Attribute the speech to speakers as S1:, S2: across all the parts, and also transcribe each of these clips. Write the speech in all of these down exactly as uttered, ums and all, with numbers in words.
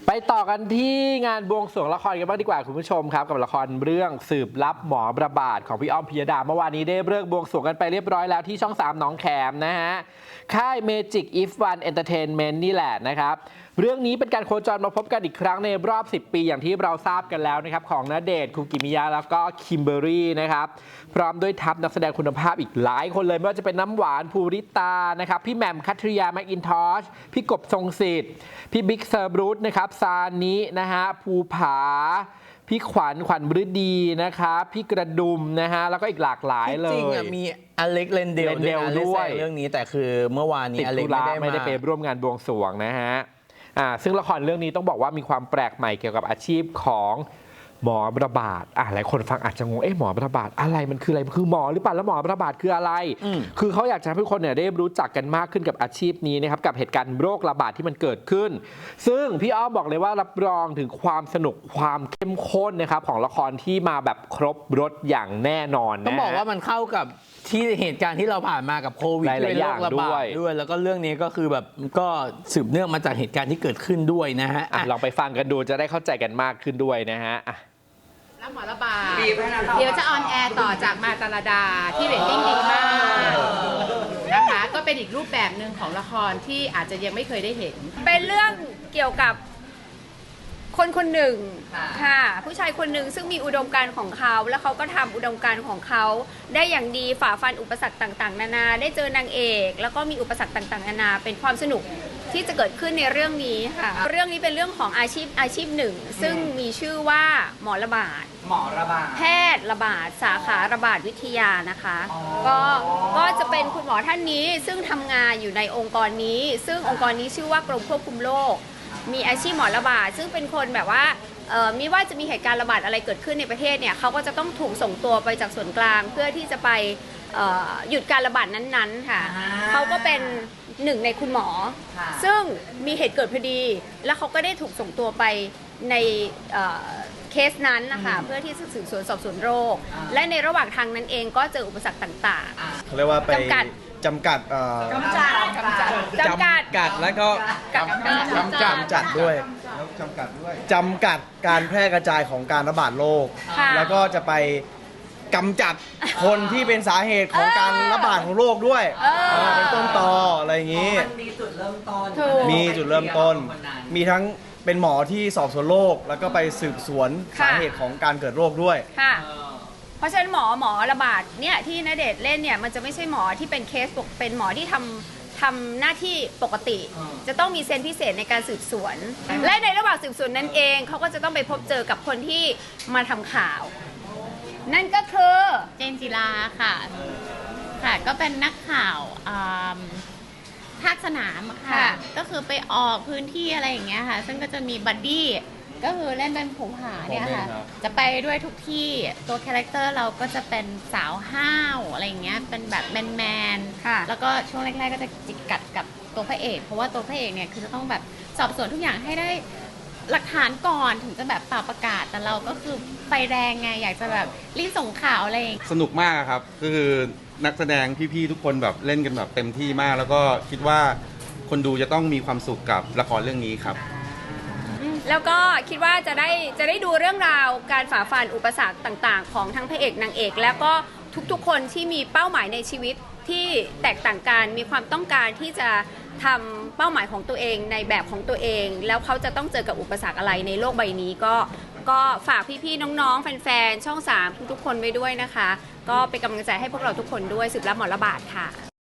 S1: ไปต่อกันที่งานบวงสรวงละครกันบ้างดีกว่าคุณผู้ชมครับกับละครเรื่องสืบลับหมอระบาดของพี่อ้อมพิยดาเมื่อวานนี้ได้เลิกบวงสรวงกันไปเรียบร้อยแล้วที่ช่องสามหนองแขมนะฮะค่าย Magic If One Entertainment นี่แหละนะครับเรื่องนี้เป็นการโคจรมาพบกันอีกครั้งในรอบสิบปีอย่างที่เราทราบกันแล้วนะครับของณเดชน์ คุกิมิยะแล้วก็คิมเบอร์รี่นะครับพร้อมด้วยทัพนักแสดงคุณภาพอีกหลายคนเลยไม่ว่าจะเป็นน้ำหวานภูริตานะครับพี่แหม่มคัทริยาแมคอินทอชพี่กบทรงสิทธิ์พี่บิ๊กเซอร์บรูซนะครับซานินะฮะภูผาพี่ขวัญขวัญบฤดีนะครับพี่กระดุมนะฮะแล้วก็อีกหลากหลายเลย
S2: จริงๆมีอเล็กเลนเดลด้วยเรื่องนี้แต่คือเมื่อวานนี้อเล็กไม่ได้
S1: ไม่ได้ไปร่วมงานบวงสรวงนะฮะอ่าซึ่งละครเรื่องนี้ต้องบอกว่ามีความแปลกใหม่เกี่ยวกับอาชีพของหมอระบาดอ่ะหลายคนฟังอาจจะงงเอ๊ะหมอระบาดอะไรมันคืออะไรมันคือหมอหรือเปล่าแล้วหมอระบาดคืออะไรคือเขาอยากจะให้ทุกคนเนี่ยได้รู้จักกันมากขึ้นกับอาชีพนี้นะครับกับเหตุการณ์โรคระบาดที่มันเกิดขึ้นซึ่งพี่อ้อมบอกเลยว่ารับรองถึงความสนุกความเข้มข้นนะครับของละครที่มาแบบครบรสอย่างแน่นอนนะ
S2: ต้องบอกว่ามันเข้ากับที่เหตุการณ์ที่เราผ่านมากับโควิด
S1: หลายๆอย่างด้วย
S2: ด้วยแล้วก็เรื่องนี้ก็คือแบบก็สืบเนื่องมาจากเหตุการณ์ที่เกิดขึ้นด้วยนะฮะ
S1: ลองไปฟังกันดูจะได้เข้าใจกันมากขึ้นด้วยนะฮะ
S3: รับหมอระบาดเดี๋ยวจะออนแอร์ต่อจากมาตาลดาที่เรตติ้งดีมากนะคะก็เป็นอีกรูปแบบหนึ่งของละครที่อาจจะยังไม่เคยได้เห็น
S4: เป็นเรื่องเกี่ยวกับคนคนหนึ่งค่ะผู้ชายคนหนึ่งซึ่งมีอุดมการณ์ของเขาแล้วเขาก็ทำอุดมการณ์ของเขาได้อย่างดีฝ่าฟันอุปสรรคต่างๆนานาได้เจอนางเอกแล้วก็มีอุปสรรคต่างๆนานาเป็นความสนุกที่จะเกิดขึ้นในเรื่องนี้ค่ะเรื่องนี้เป็นเรื่องของอาชีพอาชีพหนึ่งซึ่งมีชื่อว่าหมอระบาด
S5: หมอระบาด
S4: แพทย์ระบาดสาขาระบาดวิทยานะคะก็ก็จะเป็นคุณหมอท่านนี้ซึ่งทำงานอยู่ในองค์กรนี้ซึ่งองค์กรนี้ชื่อว่ากรมควบคุมโรคมีอาชีพหมอระบาดซึ่งเป็นคนแบบว่าไม่ว่าจะมีเหตุการณ์ระบาดอะไรเกิดขึ้นในประเทศเนี่ยเขาก็จะต้องถูกส่งตัวไปจากส่วนกลางเพื่อที่จะไปหยุดการระบาดนั้นๆค่ะเขาก็เป็นหนึ่งในคุณหมอซึ่งมีเหตุเกิดพอดีแล้วเขาก็ได้ถูกส่งตัวไปในเคสนั้นนะคะเพื่อที่จะสืบสวนสอบสวนโรคและในระหว่างทางนั้นเองก็เจออุปสรรคต่าง
S6: ๆเขาเรียกว่าไปจำกัดจำกัด
S4: จำกัดจำกัดจำกัด
S6: กัดแล้วก็
S4: จำกัด
S6: จำกัดด้วยจำกัดด้วยจำกัดการแพร่กระจายของการระบาดโรคแล้วก็จะไปกำจัดคนที่เป็นสาเหตุของการระบาดของโรคด้วยเป็นต้นตออะไรอย่างนี้
S5: มีจุดเริ่มต้น
S6: มีจุดเริ่มต้นมีทั้งเป็นหมอที่สอบสวนโรคแล้วก็ไปสืบสวนสาเหตุของการเกิดโรคด้วย
S4: ค่ะเพราะฉะนั้นหมอหมอระบาดเนี่ยที่ณเดชน์เล่นเนี่ยมันจะไม่ใช่หมอที่เป็นเคสเป็นหมอที่ทำทำหน้าที่ปกติจะต้องมีเซนส์พิเศษในการสืบสวนและในระหว่างสืบสวนนั้นเองเขาก็จะต้องไปพบเจอกับคนที่มาทำข่าวนั่นก็คือ
S3: เจนจิลาค่ะค่ะก็เป็นนักข่าวภาคสนามค่ะก็คือไปออกพื้นที่อะไรอย่างเงี้ยค่ะซึ่งก็จะมีบัดดี้ก็คือเล่นเป็นผงผาเนี่ยค่ะจะไปด้วยทุกที่ตัวคาแรคเตอร์เราก็จะเป็นสาวห้าวอะไรอย่างเงี้ยเป็นแบบแมนแมนแล้วก็ช่วงแรกๆก็จะจิกกัดกับตัวพระเอกเพราะว่าตัวพระเอกเนี่ยคือจะต้องแบบสอบสวนทุกอย่างให้ได้หลักฐานก่อนถึงจะแบบเป่าประกาศแต่เราก็คือไฟแรงไงอยากจะแบบรีบส่งข่าวอะไร
S7: สนุกมากครับก็คือนักแสดงพี่ๆทุกคนแบบเล่นกันแบบเต็มที่มากแล้วก็คิดว่าคนดูจะต้องมีความสุขกับละครเรื่องนี้ครับ
S4: แล้วก็คิดว่าจะได้จะได้ดูเรื่องราวการฝ่าฟันอุปสรรคต่างๆของทั้งพระเอกนางเอกแล้วก็ทุกๆคนที่มีเป้าหมายในชีวิตที่แตกต่างกันมีความต้องการที่จะทำเป้าหมายของตัวเองในแบบของตัวเองแล้วเขาจะต้องเจอกับอุปสรรคอะไรในโลกใบนี้ก็ก็ฝากพี่ๆน้องๆแฟนๆช่องสามทุกๆคนไว้ด้วยนะคะก็เป็นกำลังใจให้พวกเราทุกคนด้วยสืบรับหมอระบาดค่ะ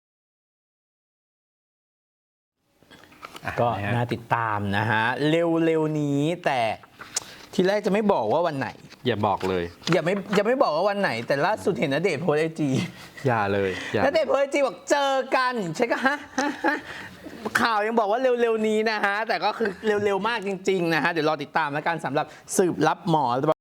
S2: ก็น่าติดตามนะฮะเร็วๆนี้แต่ทีแรกจะไม่บอกว่าวันไหน
S1: อย่าบอกเลย
S2: อย่าไม่อย่าไม่บอกว่าวันไหนแต่ล่าสุดเห็นณเดชน์โพสไอจี
S1: อย่าเลย
S2: ณเดชน์โพสไอจีบอกเจอกันใช่ก็ฮะข่าวยังบอกว่าเร็วๆนี้นะฮะแต่ก็คือเร็วๆมากจริงๆนะฮะเดี๋ยวรอติดตามแล้วกันสำหรับสืบลับหมอ